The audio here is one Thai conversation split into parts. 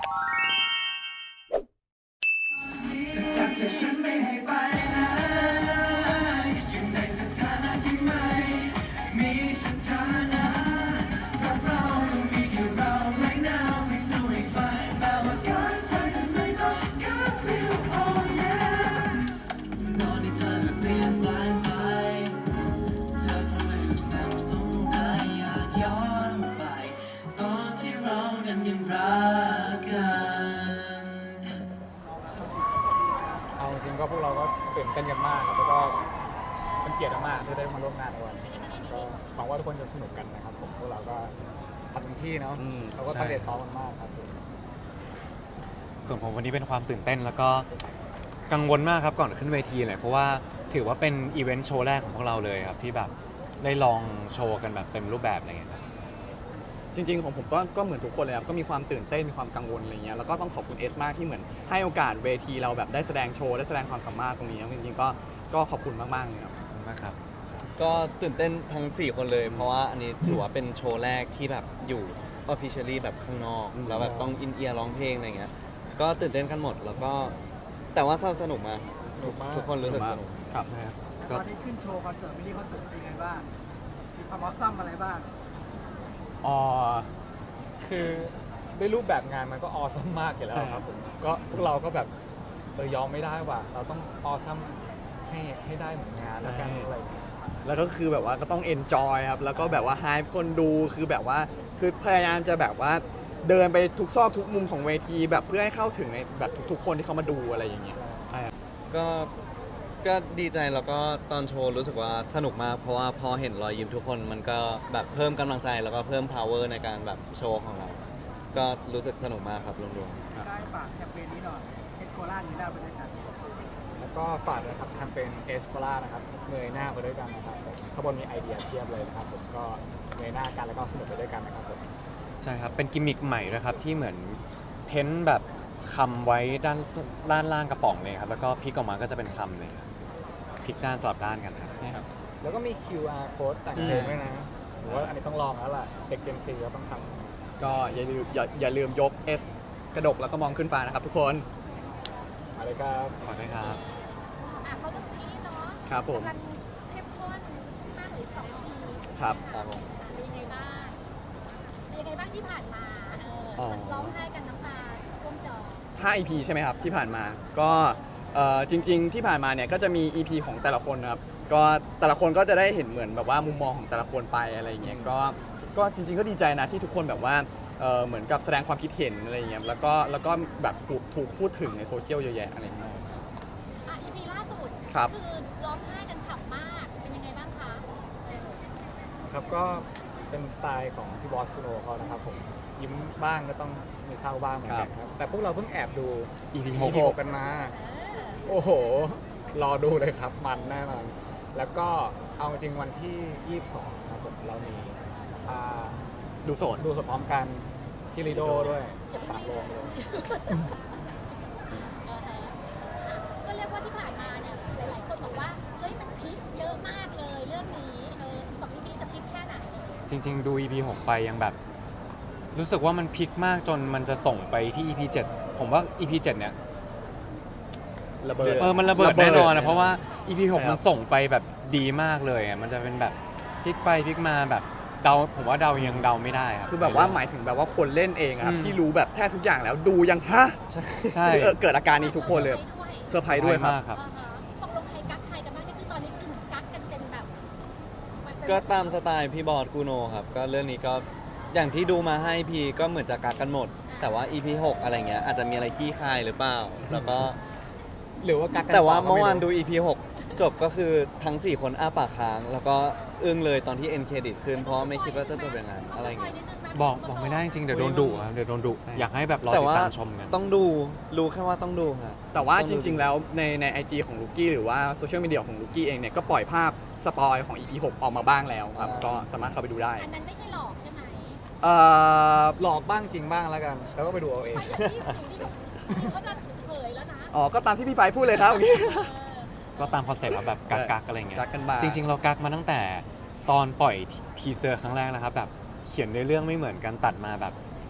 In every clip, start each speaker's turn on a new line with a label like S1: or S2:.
S1: เอาจริงก็พวกเราก็ตื่นเต้นกันมากครับแล้วก็เป็นเกียรติมากที่ได้มาร่วมงานในวันนี้ก็หวังว่าทุกคนจะสนุกกันนะครับผมพวกเราก็ทำเต็มที่เนาะเราก็ตั้งใจซ้อมกันมากครับ
S2: ส่วนผมวันนี้เป็นความตื่นเต้นแล้วก็กังวลมากครับก่อนขึ้นเวทีเลยเพราะว่าถือว่าเป็นอีเวนต์โชว์แรกของพวกเราเลยครับที่แบบได้ลองโชว์กันแบบเต็มรูปแบบอะไรเงี้ยครับ
S3: จริงๆของผมก็เหมือนทุกคนเลยครับก็มีความตื่นเต้นมีความกังวลอะไรเงี้ยแล้วก็ต้องขอบคุณเอสมากที่เหมือนให้โอกาสเวทีเราแบบได้แสดงโชว์ได้แสดงความสามารถตรงนี้จริงๆก็ขอบคุณมากๆเลยครับ
S2: มากครับ
S4: ก็ตื่นเต้นทั้ง4คนเลยเพราะว่าอันนี้ถือว่าเป็นโชว์แรกที่แบบอยู่ officially แบบข้างนอกแล้วแบบต้องอินเอียร์ร้องเพลงอะไรเงี้ยก็ตื่นเต้นกันหมดแล้วก็แต่ว่าสนุกมากทุกคนรู้สึกสนุก
S3: ครับ
S5: ตอนนี้ขึ้นโชว์คอนเสิร์ตมินิคอนเสิร์ตเป็นไงบ้างมีความออสซัมอะไรบ้าง
S1: คือด้วยรูปแบบงานมันก็ออซัมมากอยู่แล้วครับผมก็พวกเราก็แบบยอมไม่ได้ว่ะเราต้องออซัมให้ได้เหมือนงานแล้วกันอะไร
S3: แล้วก็คือแบบว่าก็ต้องเอนจอยครับแล้วก็แบบว่าให้คนดูคือแบบว่าคือพยายามจะแบบว่าเดินไปทุกซอกทุกมุมของเวทีแบบเพื่อให้เข้าถึงในแบบทุกๆคนที่เขามาดูอะไรอย่างเงี้ย
S4: ก็ดีใจแล้วก็ตอนโชว์รู้สึกว่าสนุกมากเพราะว่าพอเห็นรอยยิ้มทุกคนมันก็แบบเพิ่มกำลังใจแล้วก็เพิ่ม power ในการแบบโชว์ของเราก็รู้สึกสนุกมากครับรวม
S5: ๆได้ฝากแคมเปญนี้หน่อยเอสโคล่านี้ได้ไปด้วยกัน
S1: แล้วก็ฝากนะครับแคมเปญเอสโ l ล่านะครับเงยหน้าไปด้วยกันนะครับข้างบนมีไอเดียเทียบเลยนะครับผมก็เงยหน้ากันแล้วก็สนุกไปด้วยกันนะครับผม
S2: ใช่ครับเป็นกิมมิคใหม่นะครับที่เหมือนเพ้นแบบคำไว้ด้านล่างกระป๋องเลยครับแล้วก็พลิกออกมาก็จะเป็นคำเลยพลิกด้านสลับด้านกันครับ
S1: แล้วก็มี QR code แต่งเพลงด้วยนะหรือว่าอันนี้ต้องลองแล้วล่ะเด็ก Gen Z ก็ต้องท
S3: ำก็อย่าลืมยก S กระดกแล้วก็มองขึ้นฟ้านะครับทุกคน
S1: อะไรครับ
S2: ขอด้วยครับ
S6: เขาเป็นซีรีส์เนาะ
S3: ครับผม
S6: กำลังเข้มข้นมากหรือ2 EP
S3: ครับ
S6: เป็นยังไงบ้างที่ผ่านมาร้องไห้กันน้ำตาท่วมจอ
S3: 5 EP ใช่ไหมครับที่ผ่านมาก็จริงๆที่ผ่านมาเนี่ยก็จะมี EP ของแต่ละคนนะครับก็แต่ละคนก็จะได้เห็นเหมือนแบบว่ามุมมองของแต่ละคนไปอะไรอย่างเงี้ยก็จริงๆก็ดีใจนะที่ทุกคนแบบว่าเหมือนกับแสดงความคิดเห็นอะไรอย่างเงี้ยแล้วก็แบบถูกพูดถึงในโซเชียลเยอะแยะอะไรอย่างเงี้ย
S6: EP ล่าสุด
S3: ครับ
S6: คือร้องไห้กันฉ่ำมากเป็นยังไงบ้างคะ
S1: ครับก็เป็นสไตล์ของพี่บอสคุโนเขานะครับผมยิ้มบ้างก็ต้องมีเศร้าบ้างเหมือนกันครับแต่พวกเราเพิ่งแอบดู
S2: EP
S1: 6กันมาโอ้โหรอดูเลยครับมันแน่นอนแล้วก็เอาจริงวันที่22ครับผมเรามี
S3: ดูสด
S1: พร้อมกันที่ลีโดด้วย3 โรงเลย
S6: ก็เรียกว่าที่ผ่านมาเนี่ยหลายๆคนบอกว่าเฮ้ยมันพลิกเยอะมากเลยเรื่องนี้2 EP จะพลิกแค่ไหน
S2: จริงๆดู EP 6ไปยังแบบรู้สึกว่ามันพลิกมากจนมันจะส่งไปที่ EP 7ผมว่า EP 7เนี่ย
S3: ระเบิด
S2: มันระเบิดแน่นอนนะเพราะว่า EP 6มันส่งไปแบบดีมากเลยมันจะเป็นแบบพลิกไปพลิกมาแบบผมว่ายังเดาไม่ได้ครับ
S3: คือแบบว่าหมายถึงแบบว่าคนเล่นเองครับที่รู้แบบแทบทุกอย่างแล้วดูยังฮะใช่เกิดอาการนี้ทุกคนเลยเซอร์ไพรส์ด้วย
S2: มากครับ
S6: ตกลงใครกั๊กใครกันบ้างนี่คือตอนนี้คือเหมือนกั๊กกันเป็นแบบ
S4: ก็ตามสไตล์พี่บอสกูโนครับก็เรื่องนี้ก็อย่างที่ดูมาให้พีก็เหมือนจะกักกันหมดแต่ว่า EP 6อะไรเงี้ยอาจจะมีอะไรขี้คายหรือเปล่าแล้วก็
S1: หรือว่ากักกัน
S4: แต่ว่าเมื่อวานดู EP 6จบก็คือทั้ง4คนอ้าปากค้างแล้วก็อึ้งเลยตอนที่เอ็นเครดิตขึ้นเพราะไม่คิดว่าจะจบอย่างนั้นอะไรเงี้ย
S2: บอกไม่ได้จริงเดี๋ยวโดนดุครับเดี๋ยวโดนดุอยากให้แบบรอติดตามชมกัน
S4: ต้องดูรู้แค่ว่าต้องดูครับ
S3: แต่ว่าจริงๆแล้วใน IG ของลูกี้หรือว่าโซเชียลมีเดียของลูกี้เองเนี่ยก็ปล่อยภาพสปอยของ EP 6ออกมาบ้างแล้วครับก็สามารถเข้าไปดูได้
S6: อันนั้นไม่ใช่หลอกใช่ไหม
S1: หลอกบ้างจริงบ้างแล้วกันแล้วก็ไปดูเอาเอง
S6: เขาจะเผยแล้วนะ
S3: ก็ตามที่พี่ไปพูดเลยครับ
S2: ก็ตามคอนเซ็ปต์แบบกักอะไรเงี้ยจริงๆเรากักมาตั้งแต่ตอนปล่อยทีเซอร์ครั้งแรกแล้วครับแบบเขียนในเรื่องไม่เหมือนกันตัดมาแบบ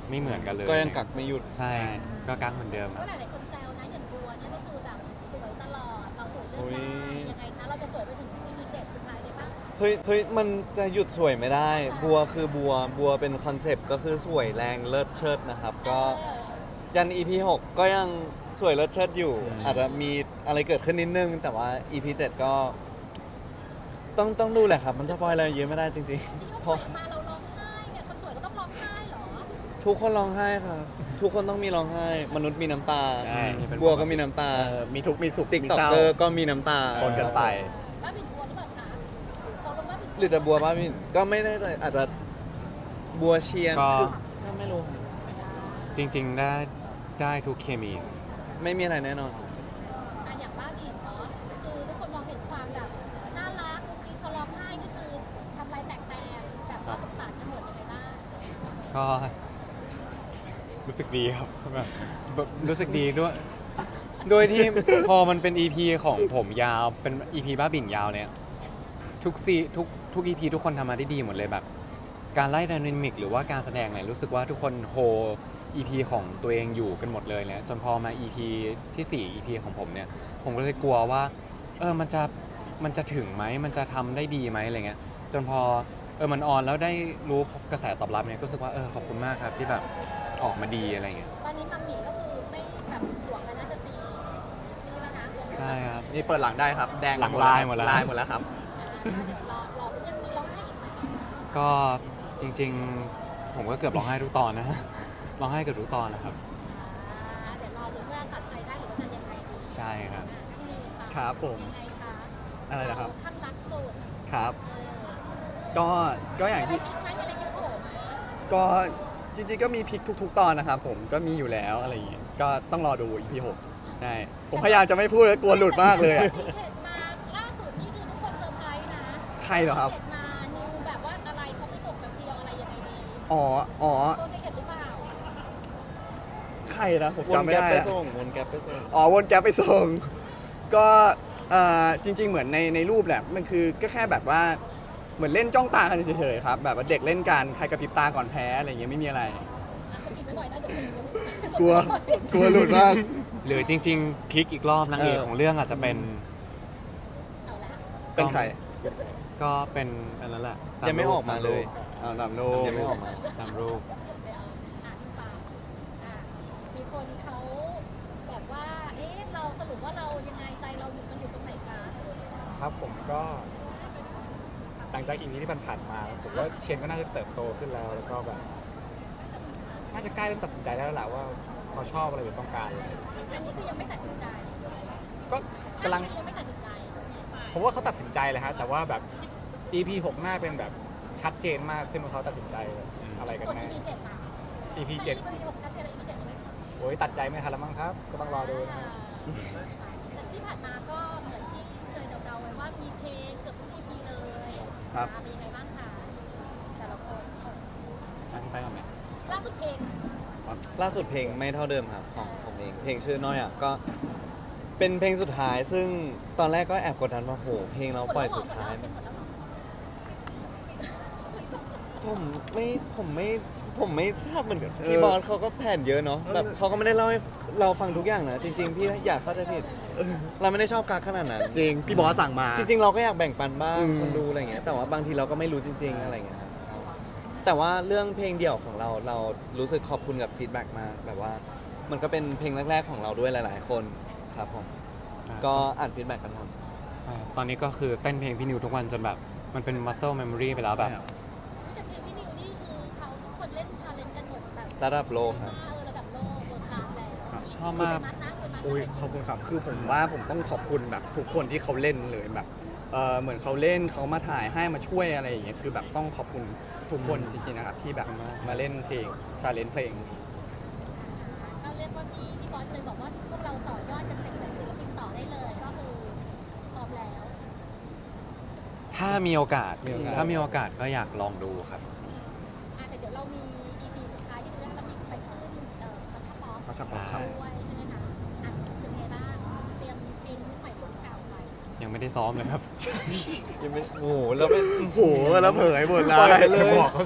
S2: ไม่เหมือนกันเลย
S4: ก็ยังกักไม่หยุด
S2: ใช่ก็กักเหมือนเดิม
S6: ก็
S2: อะ
S6: หลายๆคนแซวนะอย่างบัวเนี่ยก็คือแบบสวยตลอดเราสวยเรื่
S4: อุ๊
S6: อย
S4: ย
S6: ๆยังไงคะเราจะสวยไปถึง EP 7สุดท้ายได้ปะ
S4: เฮ้ยมันจะหยุดสวยไม่ได้ บัวคือบัวเป็นคอนเซปต์ก็คือสวยแรงเลิศเชิดนะครับ ก็ยัน EP 6 ก็ยังสวยเลิศเชิดอยู่ อาจจะมีอะไรเกิดขึ้นนิดนึง แต่ว่า EP 7 ก็ต้องดูแหละครับ มันจะปล่อยอะไรเยอะไม่ได้จริง
S6: ที่
S4: ๆ เพ
S6: เขา
S4: ราะ
S6: สวยมาเราร้องไห้เนี่ยคนสวยก็ต้องร้องไห้เหรอ
S4: ทุกคนร้องไห้ครับ ทุกคนต้องมีร้องไห้ มนุษย์มีน้ำตา
S3: ใช่
S4: บัวก็มีน้ำตา
S3: มีทุกข์มีสุข
S4: ติ๊ก
S3: มี
S4: ต็อก
S3: เศร้า
S4: เกอร์ก็มีน้ำตา
S3: ปนกันไป
S6: บ้าบินบัวหรือเปล่าคะตกลงว่าบิน
S4: หรือจะบัวบ้าบินก็ไม่แน่ใจอาจจะบัวเชียน
S2: ก็
S4: คือก็ไม่รู้
S2: จริง ๆ ได้ทุกเคมี
S4: ไม่มีอะไรแน่นอน
S6: อย่างบ้าบินเนาะคือทุกคนมองเห็นความแบบน่ารักกุ๊กกิ๊กพอร้องไห้นี่คือทำลายแตกแตนแบบว่าสงสารกันหมดยังไงบ้าง
S2: ก็รู้สึกดีครับแบบรู้สึกดีด้วย โดยที่ พอมันเป็น EP ของผมยาวเป็น EP บ้าบิ่นยาวเนี่ยทุก EP ทุกคนทำมาได้ดีหมดเลยแบบ การไล่ไดนามิกหรือว่าการแสดงเนี่ยรู้สึกว่าทุกคนโฮ EP ของตัวเองอยู่กันหมดเลยเนี่ยจนพอมา EP ที่ 4 EP ของผมเนี่ยผมก็เลยกลัวว่ามันจะถึงไหมมันจะทำได้ดีไหมอะไรเงี้ยจนพอมันออนแล้วได้รู้กระแสตอบรับเนี่ยก็รู้สึกว่าขอบคุณมากครับที่แบบออกมาดีอะไรเงี้ย
S6: ตอนนี้มัมหมี่ก็คือไม่แบบห่วงแล้วน่าจะตีนี่แล้วนะ
S2: ใช่ครับ
S3: นี่เปิดหลังได้ครับ แดง
S2: หลังลายหมดแล้ว
S3: ลายหมดแล้วครับ
S6: รอยังมีร้องไห้อีกไหม
S2: ก็จริงๆ ผมก็เกือบร้องไห้ทุกตอนนะ ร้องไห้เกือบทุกตอนนะครับ
S6: เดี๋ยวรอลุ้นว่าตัดใจได้หรือว่าจะยังไงดี
S2: ใช่ครับ
S3: ครับผม
S6: ยังไงคะ
S3: อะไรนะครับ
S6: ท่านรักสุด
S3: ครับ
S6: เออ
S3: ก็อย่าง
S6: อะไร
S3: ที่
S6: พลิกไหมอะไรพลิกโผล่ไหม
S3: ก็จริงๆก็มีพลิกทุกๆ ตอนนะครับผมก็มีอยู่แล้วอะไรอย่างเงี้ยก็ต้องรอดู EP 6ใช่ผมพยายามจะไม่พูดแล้วกลัวหลุดมากเลยอะ
S6: ซีเคร็ตมาล่าสุดนี่คือทุกคนเซอร์ไพรส์นะ
S3: ใครเหรอครับ
S6: ซีเคร็ตมานิวแบบว่าอะไรเขาไปส่งแบบเดียวอะไรยังไงดี
S3: อ๋อ
S6: ตัวซีเคร็ตหรือเปล่า
S3: ใครนะผม
S4: วน
S3: จำไม่
S4: แก๊ป
S3: ได้
S4: ไป
S3: อะ
S4: ส่งวนแก๊ปไปส่ง
S3: อ๋อวนแก๊ปไปส่ง ก็จริง ๆ เหมือนในรูปแหละมันคือก็แค่แบบว่าเหมือนเล่นจ้องตากันเฉยๆครับแบบว่าเด็กเล่นกันใครกระพริบตาก่อนแพ้อะไรอย่างเงี้ยไม่มีอะไร
S6: จะคิดไว้หน่อยนะเดี๋ยวเป็น
S3: กลัวหลุดมาก
S2: หรือจริงๆพลิกอีกรอบนางเอกของเรื่องอาจจะเป็น
S6: เอาละ
S3: เป็นใคร
S2: ก็เป็นอันนั้นแหละต
S4: ยังไม่
S2: รูป
S4: ออกมาเลย
S3: ตามโล
S4: ยังไม่ออกมา
S2: ตามรูป
S6: ไปเอาอ่านฟังมีคนเขาแบบว่าเอ๊ะเราสรุปว่าเรายังไงใจเราอยู่มันอยู่ตรงไหนคะ
S1: ครับผมก็หลังจากอีพีที่ผ่านๆมาผมว่าเชนก็น่าจะเติบโตขึ้นแล้วแล้วก็แบบน่าจะใกล้เริ่มตัดสินใจได้แล้วแหละว่าเขาชอบอะไรหรือต้องการอะไร
S6: อันนี้คือยังไม่ตัดสินใจ
S1: ก็กำลัง
S6: ยังไม่ตัดสินใจ
S1: ผมว่าเขาตัดสินใจเลยฮะแต่ว่าแบบ EP 6หน้าเป็นแบบชัดเจนมากขึ้นว่าเขาตัดสินใจอะไรกัน
S6: ส่วน
S1: แน่
S6: EP 7ล่ะ
S1: EP
S6: 7 EP 6ชัดเจนแล้ว EP 7ยังไงคะ
S1: โอ้ยตัดใจไม่ทันแล้วมั้งครับ ก็ต้องรอดูนะ
S6: แต่ที่ผ่านมาก็เหมือนที่เคยเดาๆไว้ว่ามีเพลงเกือบทุก EP เลย
S3: ครับ
S6: มีไงบ้างคะแต่ละคน
S3: ไปก่อนไหม
S6: ล่าสุดเพลง
S4: ล่าสุดเพลงไม่เท่าเดิมครับของผมเอง เพลงชื่อน้อยอ่ะก็เป็นเพลงสุดท้ายซึ่งตอนแรกก็แอบกดดันว่าโหเพลงเราปล่อยสุดท้าย
S6: เป็นหมดแล้วเหรอ
S4: ผมไม่ทราบเหมือนกันพี่บอสเขาก็แผนเยอะเนาะแบบเขาก็ไม่ได้เล่าให้เราฟังทุกอย่างนะจริง ๆ พี่อยากเข้าใจผิดเราไม่ได้ชอบกักขนาดนั้น
S3: จริง พี่บอสสั่งมา
S4: จริง ๆ เราก็อยากแบ่งปันบ้าง
S3: อืม
S4: คนดูอะไรเงี้ยแต่ว่าบางทีเราก็ไม่รู้จริง ๆ อะไรเงี้ยครับแต่ว่าเรื่องเพลงเดี่ยวของเรารู้สึกขอบคุณกับฟีดแบ็กมากแบบว่ามันก็เป็นเพลงแรกๆของเราด้วยหลาย ๆ คนครับผมก็อ่านฟีดแบ็กกันหมด
S2: ใช่ครับตอนนี้ก็คือเต้นเพลงพี่นิวทุกวันจนแบบมันเป็น muscle memory ไปแล้วแบบ
S6: แต่เพลงพี่นิวนี่คือเขาทุกคนเล่นชาเลนจ์กันหมดแบบ
S4: ระดับโลกครับ
S6: ระดับโลกเวิร์คลาสแล้ว
S2: ชอบมาก
S6: เคยนะเคยมา
S3: อุ้ยขอบคุณครับ คือผมว่าผมต้องขอบคุณแบบทุกคนที่เขาเล่นเลยแบบเหมือนเขาเล่นเขามาถ่ายให้มาช่วยอะไรอย่างเงี้ยคือแบบต้องขอบคุณทุกคนจริงๆนะครับที่แบบมาเล่นเพลงชาเลนจ์เพลง
S6: ก็เรียกว่าพี่บอสเลยบอกว่าพวกเราต่อยอดกันเป็นศิลปินต่อได้เลยก็คือพร้อมแล้ว
S2: ถ้ามีโอกาส
S3: มีโอกาส
S2: ถ้ามีโอกาสก็อยากลองดูครับ
S6: แต่เดี๋ยวเรามี EP สุดท้ายที่ดูได้แล้วมีไปขึ้นคอนเสิร์ต
S3: เขาชัก
S6: ด้วยใช่ไหมคะเป็นไงบ้างเตรียมเพลงใหม่รุ่นเก่าไป
S2: ยังไม่ได้ซ้อมเลยครับ
S4: ยังไม่โอ้โหแล้วเป็น
S3: โอ้โหแล้วเผยหมดเล
S4: ปล่อย
S3: ย
S4: ไปเลย
S1: บอกเขาสิ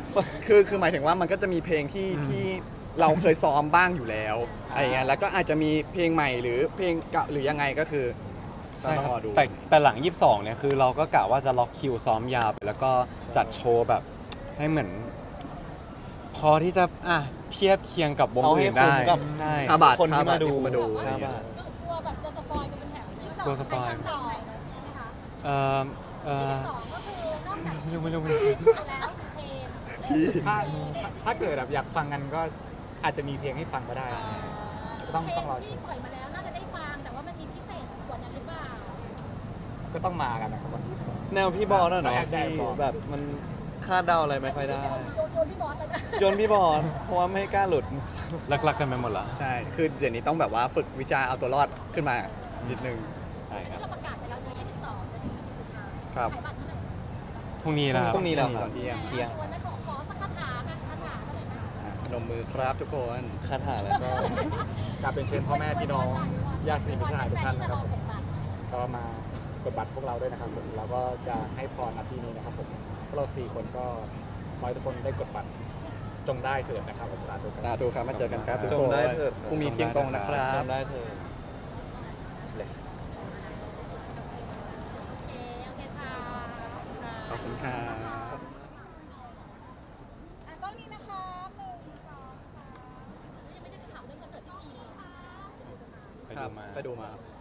S3: คือหมายถึงว่ามันก็จะมีเพลงที่
S2: อืม
S3: ที่เราเคยซ้อมบ้างอยู่แล้วอะไรเงี้ยแล้วก็อาจจะมีเพลงใหม่หรือเพลงเก่าหรือยังไงก็คือ
S2: ใช่
S3: ต้อง
S2: ค
S3: ร
S2: รั
S3: อบ ดู
S2: แต่หลัง 22 เนี่ยคือเราก็กะว่าจะล็อกคิวซ้อมยาวไปแล้วก็จัดโชว์แบบให้เหมือน พอที่จะเทียบเคียงกับวง
S4: เอาให้
S2: อื่นได้
S4: คุ้มกับ
S2: ใช่
S3: ค่าบัตร
S4: คนที่มาดู
S3: ค่าบัตร
S4: ค่าบัตร
S6: กลัวแบบจะสปอยกันเป็นแถวที่สอง
S2: กลัวสปอย
S6: ในคอนเสิร์ตใช่ไหมคะ
S2: เอ่อเอ่อ
S6: ที่สองก็คือนอกจาก
S2: ไม่รู้
S6: แล้วมีเพลง
S1: ถ้าเกิดแบบอยากฟังกันก็อาจจะมีเพลงให้ฟังก็ได้ ต้องรอช
S6: ที่
S1: ม
S6: ปล่อยมาแล้วน่าจะได้ฟังแต่ว่ามันมีพิเศษกว่านั้นหรือเปล่า
S1: ก็ต้องมากันนะครับวันที่สอง
S4: แนวพี่บอลน่ะเนาะ
S1: ใช่
S4: ที่
S1: บอล
S4: แบบมันคาดเดาอะไรไม่ค่อยได้
S6: โยนพี่บอสเลยนะ
S4: โยนพี่บอลเพราะว่าไม่กล้าหลุด
S2: ลักๆกันไปหมดละ
S3: ใช่ คือเดี๋ยวนี้ต้องแบบว่าฝึกวิชาเอาตัวรอดขึ้นมานิดนึง
S2: ใช่ครับ
S6: เราประกาศไปแล้วใน12จะถึงสุดท้าย
S3: ครับ
S6: ขายบัตรเมื่อไหร่
S2: พรุ่งนี้นะครับ
S4: พรุ่งนี้แล้วครับ
S3: ตอนเที่ยง
S4: เที่ยง
S6: ชวนไหมขอสักคาถาค่ะคาถาก็เลยนะ
S3: พนมมือครับทุกคน
S4: คาถาแล้วก็
S1: กราบเป็นเชิญพ่อแม่พี่น้องญาติสนิทมิตรสหายทุกท่านนะครับผมก็มากดบัตรพวกเราด้วยนะครับผมเราก็จะให้พรนาทีนี้นะครับผมพวกเรา4คนก็ขอให้ทุกคนได้กดบัตรจงได้เถิดนะครับผมสาธุครับ
S3: สาธุครับมาเจอกันครับทุก
S4: จ
S3: ค
S4: ง
S3: น
S4: ได้เถิด
S3: พรุ่งนี้เที่ยงตรงนะครับ
S4: จำได้เธอ
S1: Bless
S6: โอเคค่ะ
S3: ขอบคุณครับ
S6: ก็มีนะคะ1 2 3ยังไม่ได้ถามเรื่องคอนเสิร์ตที่มีเลยค่ะ
S2: ไป
S3: ครั
S2: ดู
S3: บ
S2: มา
S3: ไปดูมาครับ